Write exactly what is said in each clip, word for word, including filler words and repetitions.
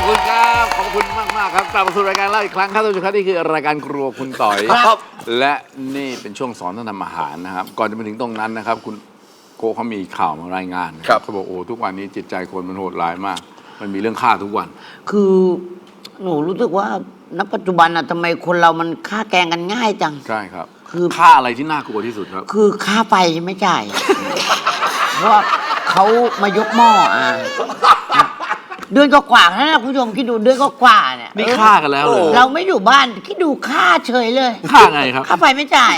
คุณครับขอบคุณมากมากครับกลับมาสู่รายการเล่าอีกครั้งครับท่านผู้ชมครับนี่คือรายการครัวคุณต่อยครับและนี่เป็นช่วงสอนท่านทำอาหารนะครับก่อนจะไปถึงตรงนั้นนะครับคุณโกเขามีข่าวมารายงานครับเขาบอกโอ้ทุกวันนี้จิตใจคนมันโหดร้ายมากมันมีเรื่องฆ่าทุกวันคือหนูรู้สึกว่าณปัจจุบันอะทำไมคนเรามันฆ่าแกงกันง่ายจังใช่ครับคือฆ่าอะไรที่น่ากลัวที่สุดครับคือค่าไฟไม่จ่ายเพราะว่าเขามายกหม้ออ่ะเดือนก็กว่านะคุณผู้ชมคิดดูเดือนก็กว่าเนี่ยนี่ฆ่ากันแล้วเลยเราไม่อยู่บ้านคิดดูค่าเฉยเลยฆ่าไงครับค่าไฟไม่จ่าย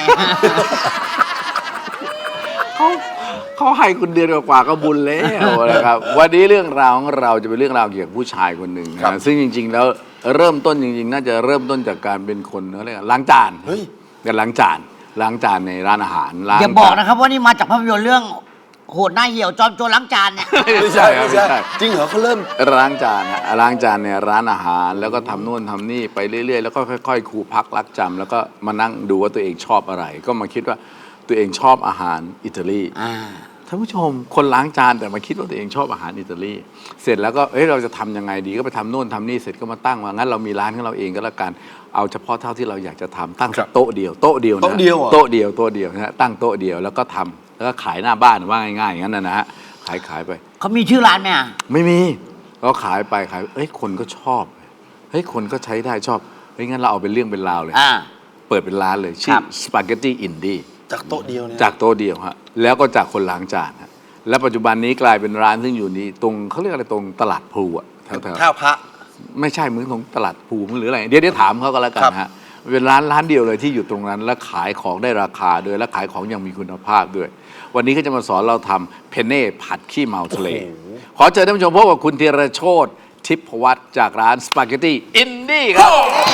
เขาเขาให้คุณเดือนกว่าก็บุญแล้วนะครับวันนี้เรื่องราวของเราจะเป็นเรื่องราวเกี่ยวกับผู้ชายคนหนึ่งนะซึ่งจริงๆแล้วเริ่มต้นจริงๆน่าจะเริ่มต้นจากการเป็นคนเขาเรียกล้างจานการล้างจานล้างจานในร้านอาหารอย่าบอกนะครับว่านี่มาจากภาพยนตร์เรื่องโหดหน้าเหี่ยวจอมโจรล้างจานเนี่ยไม่ใช่ครับไม่ใช่จริงเหรอเขาเริ่มล้างจานฮะล้างจานในร้านอาหารแล้วก็ทำนู่นทำนี่ไปเรื่อยๆแล้วก็ค่อยๆครูพักรักจำแล้วก็มานั่งดูว่าตัวเองชอบอะไรก็มาคิดว่าตัวเองชอบอาหารอิตาลีท่านผู้ชมคนล้างจานแต่มาคิดว่าตัวเองชอบอาหารอิตาลีเสร็จแล้วก็เอ้ยเราจะทำยังไงดีก็ไปทำโน่นทำนี่เสร็จก็มาตั้งว่างั้นเรามีร้านของเราเองก็แล้วกันเอาเฉพาะเท่าที่เราอยากจะทำตั้งโต๊ะเดียวโต๊ะเดียวนะโต๊ะเดียวโต๊ะเดียวโต๊ะเดียวนะตั้งโต๊ะเดียวแล้วก็ทำแล้วก็ขายหน้าบ้านว่าง่ายๆอย่างนั้นนะฮะขายขายไปเขามีชื่อร้านไหมอ่ะไม่มีเราขายไปขายเอ้ยคนก็ชอบเฮ้ยคนก็ใช้ได้ชอบเฮ้ยงั้นเราเอาเป็นเรื่องเป็นราวเลยเปิดเป็นร้านเลยชื่อสปาเกตตี้อินดี้จากโต๊ะเดียวเนี่ยจากโต๊ะเดียวฮะแล้วก็จากคนล้างจานฮะและปัจจุบันนี้กลายเป็นร้านซึ่งอยู่นี้ตรงเขาเรียกอะไรตรงตลาดพลูอะแถวๆท่าพระไม่ใช่มึงตรงตลาดพลูหรืออะไรเดี๋ยวเดี๋ยวถามเขาก็แล้วกันฮะเป็นร้านร้านเดียวเลยที่อยู่ตรงนั้นและขายของได้ราคาด้วยและขายของอย่างมีคุณภาพด้วยวันนี้ก็จะมาสอนเราทำเพนเน่ผัดขี้เมาทะเลขอเชิญท่านผู้ชมพบกับคุณธีรโชติทิพวัฒน์จากร้านสปาเกตตี้อินดี้ครับ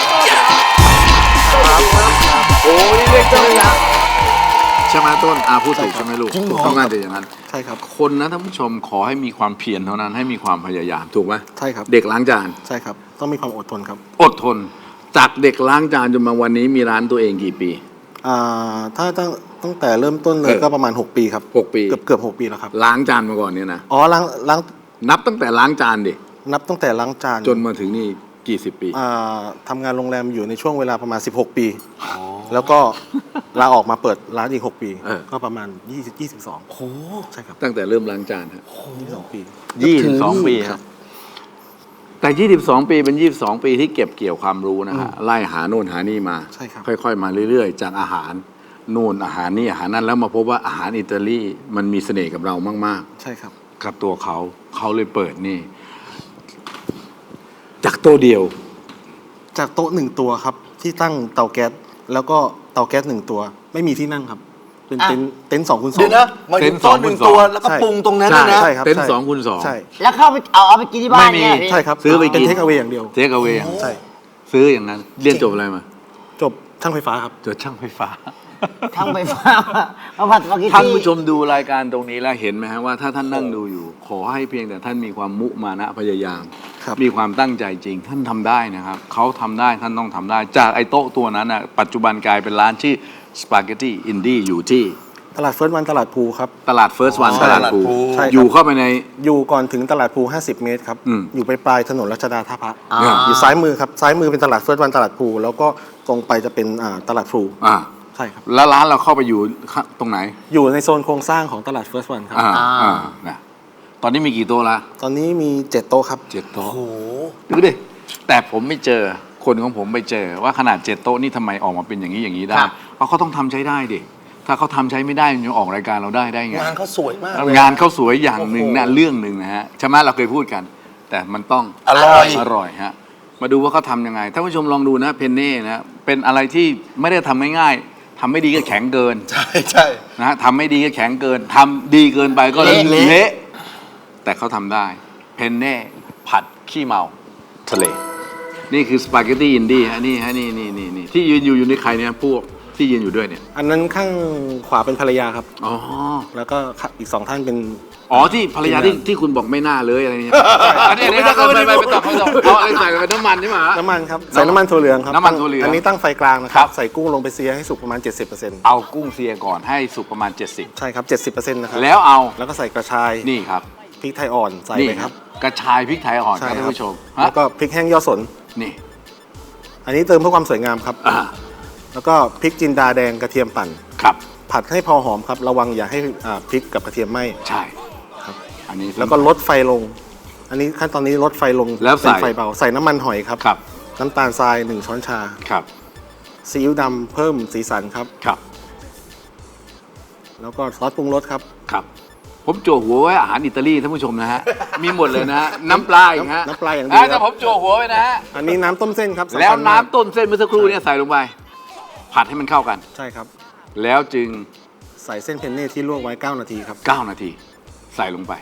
โอ้ยเรียกเจ้าเลยนะใช่ไหมต้นอาพูดถูกใช่ไหมลูกต้องน่าจะอย่างนั้นใช่ครับคนนะท่านผู้ชมขอให้มีความเพียรเท่านั้นให้มีความพยายามถูกไหมใช่ครับเด็กล้างจานใช่ครับต้องมีความอดทนครับอดทนจากเด็กล้างจานจนมาวันนี้มีร้านตัวเองกี่ปีอ่าถ้าตั้งตั้งแต่เริ่มต้นเลยก็ประมาณหกปีครับหกปีเกือบเกือบหกปีแล้วครับล้างจานมาก่อนเนี่ยนะอ๋อล้างล้างนับตั้งแต่ล้างจานดินับตั้งแต่ล้างจานจนมาถึงนี่กี่สิบปีอ่าทำงานโรงแรมอยู่ในช่วงเวลาประมาณสิบหกปีแล้วก็ลาออกมาเปิดร้านอีกหกปีก็ประมาณยี่สิบ ยี่สิบสองโอ้ใช่ครับตั้งแต่เริ่มล้างจานฮะยี่สิบสองปียี่สิบสองปีครับแต่ยี่สิบสองปีเป็นยี่สิบสองปีที่เก็บเกี่ยวความรู้นะฮะไล่หาโน่นหานี่มาใช่ครับค่อยๆมาเรื่อยๆจากอาหารโน่นอาหารนี่อาหารนั้นแล้วมาพบว่าอาหารอิตาลีมันมีเสน่ห์กับเรามากๆใช่ครับกับตัวเขาเขาเลยเปิดนี่จากโต๊ะเดียวจากโต๊ะหนึ่งตัวครับที่ตั้งเตาแก๊สแล้วก็เตาแก๊สหนึ่งตัวไม่มีที่นั่งครับเป็นเต็นท์เต็นท์สองคูณสองเดี๋ยวนะมาถึงโต๊ะหนึ่งตัวแล้วก็ปรุงตรงนั้นนะใช่ครับเต็นท์สองคูณสองใช่แล้วเข้าไปเอาเอาไปกินที่บ้านเนี่ยใช่ครับซื้อไปกินเทคเอาไว้อย่างเดียวเทคเอาไว้ใช่ซื้ออย่างนั้นเรียนจบอะไรมาจบช่างไฟฟ้าครับจบช่างไฟฟ้าช่างไฟฟ้ามาผัดสปาเกตตี้ท่านผู้ชมดูรายการตรงนี้แล้วเห็นไหมฮะว่าถ้าท่านนั่งดูอยู่ขอให้เพียงแต่ท่านมีความมุมานะพยายามมีความตั้งใจจริงท่านทำได้นะครับเขาทำได้ท่านต้องทำได้จากไอ้โต๊ะตัวนั้นนะปัจจุบันกลายเป็นร้านชื่อสปาเกตตี้อินดี้อยู่ที่ตลาดเฟิร์สวันตลาดภูครับตลาดเฟิร์สวันตลาดภูอยู่เข้าไปในอยู่ก่อนถึงตลาดภูห้าสิบเมตรครับอยู่ไปปลายถนนรัชดาท่าพระอยู่ซ้ายมือครับซ้ายมือเป็นตลาดเฟิร์สวันตลาดภูแล้วก็ตรงไปจะเป็นตลาดภูใช่ครับแล้วร้านเราเข้าไปอยู่ตรงไหนอยู่ในโซนโครงสร้างของตลาดเฟิร์สวันครับอ่านะตอนนี้มีกี่โต๊ะละตอนนี้มีเจ็ดโต๊ะครับเจ็ดโต๊ะโอ้โหดูดิแต่ผมไม่เจอคนของผมไปเจอว่าขนาดเจ็ดโต๊ะนี่ทำไมออกมาเป็นอย่างนี้อย่างนี้ได้เพราะเขาต้องทำใช้ได้ดิถ้าเขาทำใช้ไม่ได้มันจะออกรายการเราได้ได้ไงงานเขาสวยมากงานเขาสวยอย่างหนึ่งนะเรื่องหนึ่งนะฮะใช่ไหมเราเคยพูดกันแต่มันต้องอร่อยอร่อยฮะมาดูว่าเขาทำยังไงท่านผู้ชมลองดูนะเพนเน่นะเป็นอะไรที่ไม่ได้ทำง่ายๆทำไม่ดีก็แข็งเกินใช่ใช่นะฮะทำไม่ดีก็แข็งเกินทำดีเกินไปก็เละแต่เขาทำได้เพนเน่ผัดขี้เมาทะเลนี่คือสปาเกตตี้อินดี้ฮะนี่ฮะนี่นี่นี่นี่ที่ยืนอยู่อยู่ในใครเนี่ยพวกที่ยืนอยู่ด้วยเนี่ยอันนั้นข้างขวาเป็นภรรยาครับอ๋อแล้วก็อีกสองท่านเป็นอ๋อที่ภรรยาที่ที่คุณบอกไม่น่าเลยอะไรเนี่ยอันนี้ไม่ต้องไปไปไปต่อไปต่อเอาอะไรใส่ไปน้ำมันใช่ไหมน้ำมันครับใส่น้ำมันถั่วเหลืองครับน้ำมันถั่วเหลืองอันนี้ตั้งไฟกลางนะครับใส่กุ้งลงไปเสียให้สุกประมาณ เจ็ดสิบเปอร์เซ็นต์เอากุ้งเสียก่อนให้สุกประมาณเจ็ดสิบใช่ครับ เจ็ดสิบเปอร์เซ็นต์ นะครับแล้วเอาแล้วก็ใส่กระชายนี่ครับพริกไทยอ่อนใส่นี่ไปครับกระชายพริกไทยอ่อนคใช่รับคท่ารันบผู้ชมแล้วก็พริกแห้งยอดสนนี่อันนี้เติมเพื่อความสวยงามครับอ่าแล้วก็พริกจินดาแดงกระเทียมปั่นครับผัดให้พอหอมครับระวังอย่าให้อ่าพริกกับกระเทียมไหม้ใช่ครับอันนี้แล้วก็ลดไฟลง อันนี้ขั้นตอนนี้ลดไฟลงแล้วใส่เป็นไฟเบาใส่น้ำมันหอยครับครับน้ำตาลทรายหนึ่งช้อนชาครับซีอิ๊วดำเพิ่มสีสันครับครับแล้วก็ซอสปรุงรสครับครับ ผมจั่วหัวไว้อาหารอิตาลีท่านผู้ชมนะฮะ มีหมดเลยนะฮะ น้ำปลาอย่างฮะน้ำปลาอย่างเดียวแต่ผมจั่วหัวไว้นะฮะอันนี้น้ำต้มเส้นครับสำคัญแล้วมากน้ำต้นเส้นเมื่อสักครู่เนี้ใส่ลงไป ผัดให้มันเข้ากันใช่ครับแล้วจึงใส่เส้นเพนเน่ที่ลวกไว้เก้านาทีครับเก้านาที ใส่ลงไป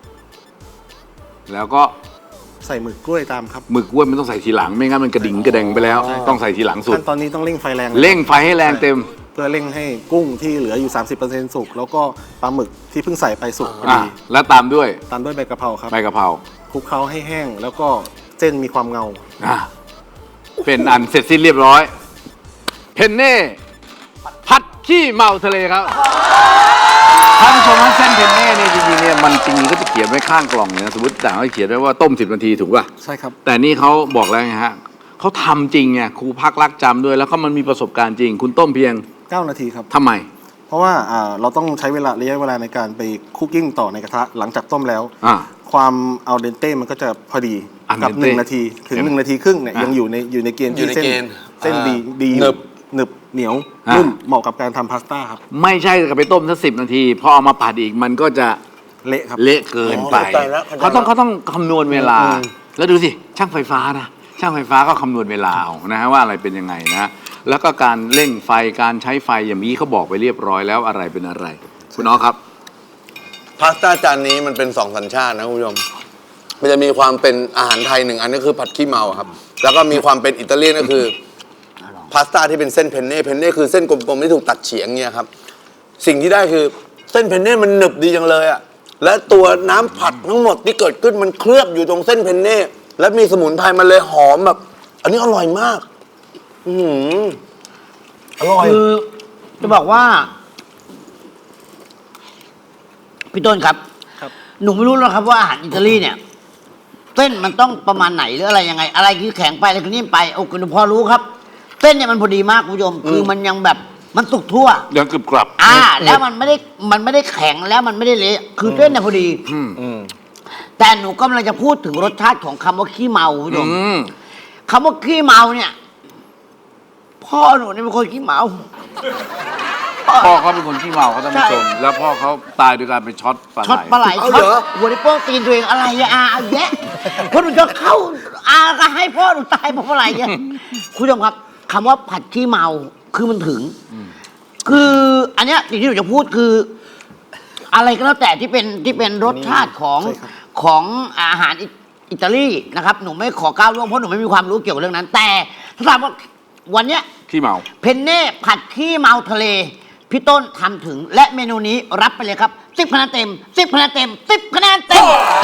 แล้วก็ใส่หมึกกล้วยตามครับหมึกกล้วยมันต้องใส่ทีหลังไม่งั้นมันกระดิ่งกระแดงไปแล้ว ต้องใส่ทีหลังสุดขั้นตอนนี้ต้องเร่งไฟแรงเร่งไฟให้แรงเต็มเพื่อเร่งให้กุ้งที่เหลืออยู่ สามสิบเปอร์เซ็นต์ สุกแล้วก็ปลาหมึกที่เพิ่งใส่ไปสุกพออ่ะดีแล้วตามด้วยตามด้วยใบกะเพราครับใบกะเพราคลุกเคล้าให้แห้งแล้วก็เส้นมีความเงาอ่ะเป็นอันเสร็จสิ้นเรียบร้อย เพนเน่ผัดขี้เมาทะเลครับท่านผู้ชมว่าเส้นเพนเน่เนี่ยจริงๆเนี่ยมันจริงๆก็จะเขียนไว้ข้างกล่องเลยนะสมมติต่างเขาเขียนไว้ว่าต้มสิบนาทีถูกป่ะใช่ครับแต่นี่เขาบอกแล้วไงฮะเขาทำจริงไงครูพักรักจำด้วยแล้วก็มันมีประสบการณ์จริง คุณต้มเพียงเก้า นาทีครับทำไมเพราะว่าอ่าเราต้องใช้เวลาระยะเวลาในการไปคุกกิ้งต่อในกระทะหลังจากต้มแล้วอ่าความอัลเดนเต้มันก็จะพอดี al กับ dente หนึ่งนาทีถึงเห็นไหมหนึ่งนาทีครึ่งเนี่ยอ่ะยังอยู่ในอยู่ในเกณฑ์อยู่ที่ในเส้นเกณฑ์เส้นอ่าดีดีอยู่หนึบหนึบเหนียวอ่ะนุ่มเหมาะกับการทำพาสต้าครับไม่ใช่กับไปต้มสักสิบนาทีพอเอามาผัดอีกมันก็จะเละครับเละเกินไปอ๋อเข้าใจแล้วเข้าใจแล้วเขาต้องเขาต้องคำนวณเวลาอืมแล้วดูสิ ช่างไฟฟ้านะ ช่างไฟฟ้าก็คำนวณเวลาเอานะฮะว่าอะไรเป็นยังไงนะ แล้วก็การเร่งไฟการใช้ไฟอย่างนี้เขาบอกไปเรียบร้อยแล้วอะไรเป็นอะไร คุณน้องครับพาสต้าจานนี้มันเป็นสองสัญชาตินะคุณผู้ชม มันจะมีความเป็นอาหารไทยหนึ่งอันนี้คือผัดขี้เมาครับ แล้วก็มีความเป็นอิตาเลียนก็คือพาสต้าที่เป็นเส้นเพนเน่เพนเน่คือเส้นกลมๆที่ถูกตัดเฉียงเนี่ยครับ สิ่งที่ได้คือเส้นเพนเน่มันหนึบดีจังเลยอะและตัวน้ำผัดทั้งหมดที่เกิดขึ้นมันเคลือบอยู่ตรงเส้นเพนเน่และมีสมุนไพรมันเลยหอมแบบ อันนี้อร่อยมาก อือหืออร่อยคือจะบอกว่า พี่ต้นครับครับหนูไม่รู้หรอกครับว่าอาหารอิตาลีเนี่ยเส้นมันต้องประมาณไหนหรืออะไรยังไง อะไรคือแข็งไปอะไรคือนิ่มไปโอ้คุณพอรู้ครับเส้นเนี่ยมันพอดีมากคุณผู้ชมคือมันยังแบบมันสุกทั่วยังกรึบกรับอ่า แล้วมันไม่ได้มันไม่ได้แข็งแล้วมันไม่ได้เละคือเส้นเนี่ยพอดีอืมแต่หนูกำลังจะพูดถึงรสชาติของคำว่าขี้เมาคุณผู้ชมอืมคำว่าขี้เมาเนี่ย พ่อหนูเนี่ยเป็นคนขี้เมาพ่อเขาเป็นคนขี้เมาเขาท่านผู้ชม แล้วพ่อเขาตายโดยการไปช็อตปลาไหลช็อตปลาไหลเอาช็อตเหรอหัวในโป้งตีนตัวเองอะไรอะอาเอาแยะเพราะหนูจะเข้าอาก็ให้พ่อหนูตายเพราะอะไรเนี่ยคุณผู้ชมครับคำว่าผัดขี้เมาคือมันถึง คืออันเนี้ยสิ่งที่หนูจะพูดคือ อะไรก็แล้วแต่ที่เป็นที่เป็นรสชาติของใช่ครับของอาหารอิอิตาลีนะครับ หนูไม่ขอก้าวล่วงเพราะหนูไม่มีความรู้เกี่ยวกับเรื่องนั้น แต่ถ้าถามว่าวันเนี้ยขี้เมาเพนเน่ผัดขี้เมาทะเล พี่ต้นทำถึงและเมนูนี้รับไปเลยครับสิบคะแนนเต็มสิบคะแนนเต็มสิบคะแนนเต็ม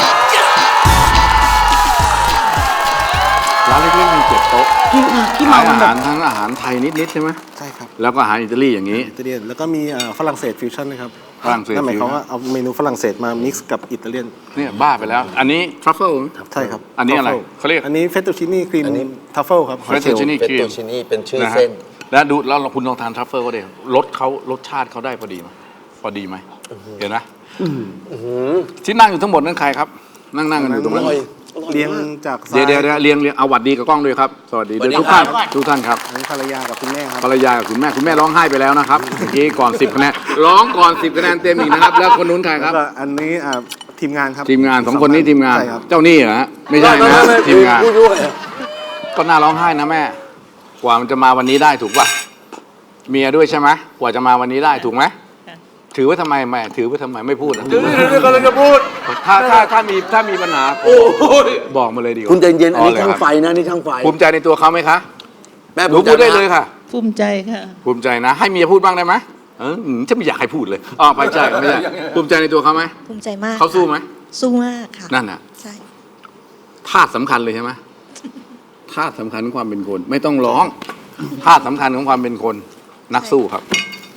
ร้านเล็กๆมีเจ็ดโต๊ะจริงค่ะขี้ขาเมาย มัอานแบหารบทั้งอาหารไทยนิดๆใช่ไหมใช่ครับแล้วก็อาหารอิตาลีอย่างนี้อิตาเลียนแล้วก็มีอ่าฝรั่งเศสฟิวชั่นนะครับฝรั่งเศสนั่นหมายความฟิวชั่นว่าเอาเมนูฝรั่งเศสมา mix กับอิตาเลียนเนี่ยบ้าไปแล้ว อันนี้ทรัฟเฟิลใช่ครับอันนี้อะไร Truffle เขาเรียกอันนี้เฟตตูชินี่ครีมอันนี้ทัฟเฟิลครับหอยเชลล์ Fettuccine เฟตโตชินี่เป็นชื่อนะฮะเส้นแล้วดูแล้วคุณลองทานทรัฟเฟิลก็ได้รสเขารสชาติเขาได้พอดีไหมพอดีไหมเห็นไหมที่นั่งอยู่ทั้งหมดนั่นใครครับ นั่งนั่งกันอยู่ตรงนั้นอร่อยเรียงจากซ้าเดี๋ยวเดี๋ยวเดี๋ยวเรียงเรียงเอาหวัดดีกับกล้องด้วยครับ สวัสดีด้วยสวัสดีทุกท่านครับทุกท่านครับอันนี้ภรรยากับคุณแม่ครับภรรยากับคุณแม่คุณแม่ร้องไห้ไปแล้วนะครับเมื่อกี้ก่อนสิบคะแนนร้องก่อนสิบคะแนนเต็มอีกนะครับ แล้วคนนู้นใครคแล้รัวบก็อันนี้อ่าทีมงานครับทีมงานสองคนนี้ทีมงานใช่ครับเจ้าหนี้เหรอฮะไม่ใช่นะไม่ไม่ทีมงานผู้ช่วยก็น่าร้องไห้นะแม่ กว่ามันจะมาวันนี้ได้ถูกป่ะเมียด้วยใช่ไหมกว่าจะมาวันนี้ได้ถูกไหมถือไว่าทำไมแม่ถือไว่าทำไมไม่พูดอะเดี๋ยวเดี๋ยวกำลังจะพูดถ้าถ้าถ้ามีถ้ามีปัญหาโอ้ยบอกมาเลยดีกว่าคุณใจเย็นอันนี้เลยช่างครับไฟนะนี่ช่างไฟภูมิใจในตัวเขาไหมคะแม่หนูภูมิใจพูดได้นะเลยค่ะภูมิใจค่ะภูมิใจนะ ให้เมียพูดบ้างได้ไหมเอออืมจะไม่อยากให้พูดเลยอ๋อไม่ใช่ไม่ใช่ภูมิใจในตัวเขาไหมภูมิใจมากเขาสู้ไหมสู้มากค่ะนั่นน่ะใช่ธาตุสำคัญเลยใช่ไหมธาตุสำคัญของความเป็นคน ไม่ต้องร้องธาตุสำคัญของความเป็นคนนักสู้ครับ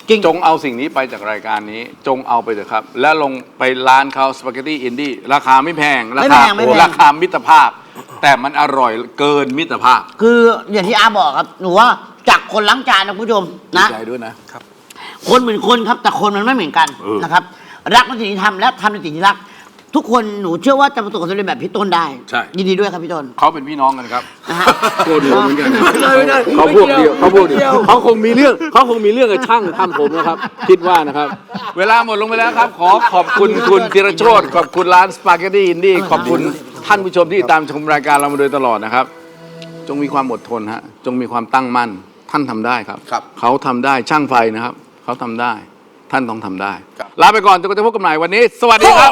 จริงจงเอาสิ่งนี้ไปจากรายการนี้ จงเอาไปเถอะครับ แล้วลงไปร้านเขาสปาเกตตี้อินดี้ราคาไม่แพง ราไม่คาแพงไม่แพงโอ้ราคามิตรภาพ แต่มันอร่อยเกินมิตรภาพคืออย่างที่อาบอกครับหนูว่าจากคนล้างจานนะคุณผู้ชมดีนะใจด้วยนะคนเหมือนคนครับแต่คนมันไม่เหมือนกันเออนะครับ รักในสิ่งที่ทำและทำในสิ่งที่รัก ทุกคนหนูเชื่อว่าจะประสบความสำเร็จแบบพี่ต้นได้ใช่ยินดีด้วยครับพี่ต้นเขาเป็นพี่น้องกันครับนะฮะโกรธหัวเหมือนกันไม่ได้ไม่ได้เขาพวกเดียวเขาพวกเดียวเขาคงมีเรื่องเขาคงมีเรื่องกับช่างทำผมนะครับ คิดว่านะครับ เวลาหมดลงไปแล้วครับ ขอขอบคุณคุณธีรโชติขอบคุณร้านสปาเกตตี้อินดี้ขอบคุณท่านผู้ชมที่ตามชมรายการเรามาโดยตลอดนะครับ จงมีความอดทนฮะจงมีความตั้งมั่นท่านทำได้ครับครับเขาทำได้ช่างไฟนะครับเขาทำได้ ท่านต้องทำได้ครับลาไปก่อนจนกว่าจะพบกันใหม่วันนี้ สวัสดีครับ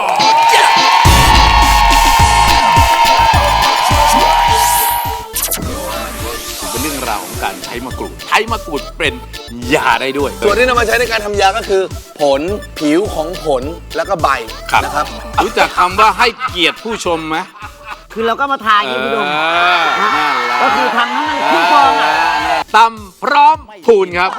เป็นเรื่องราวของการใช้มะกรูด ใช้มะกรูดเป็นยาได้ด้วยส่วนที่นำมาใช้ในการทำยาก็คือ ผลผิวของผลแล้วก็ใบครับนะครับรู้จักคำว่าให้เกียรติผู้ชมไหมคือเราก็มาทายอย่างนี้พี่ดมเออนั่นแหละก็คือทำให้มันคุ้มครองอ่ะตำพร้อมพูนครับ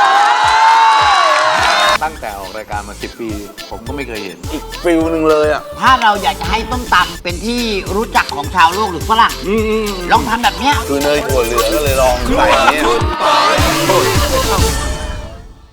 ตั้งแต่ออกรายการมาสิบปี ผมก็ไม่เคยเห็นอีกฟิลหนึ่งเลยอ่ะถ้าเราอยากจะให้ต้มตำเป็นที่รู้จักของชาวโลกหรือฝรั่งลองทำแบบเนี้ยคือเนยถั่วเหลืองก็เลยลองใส่เนี่ย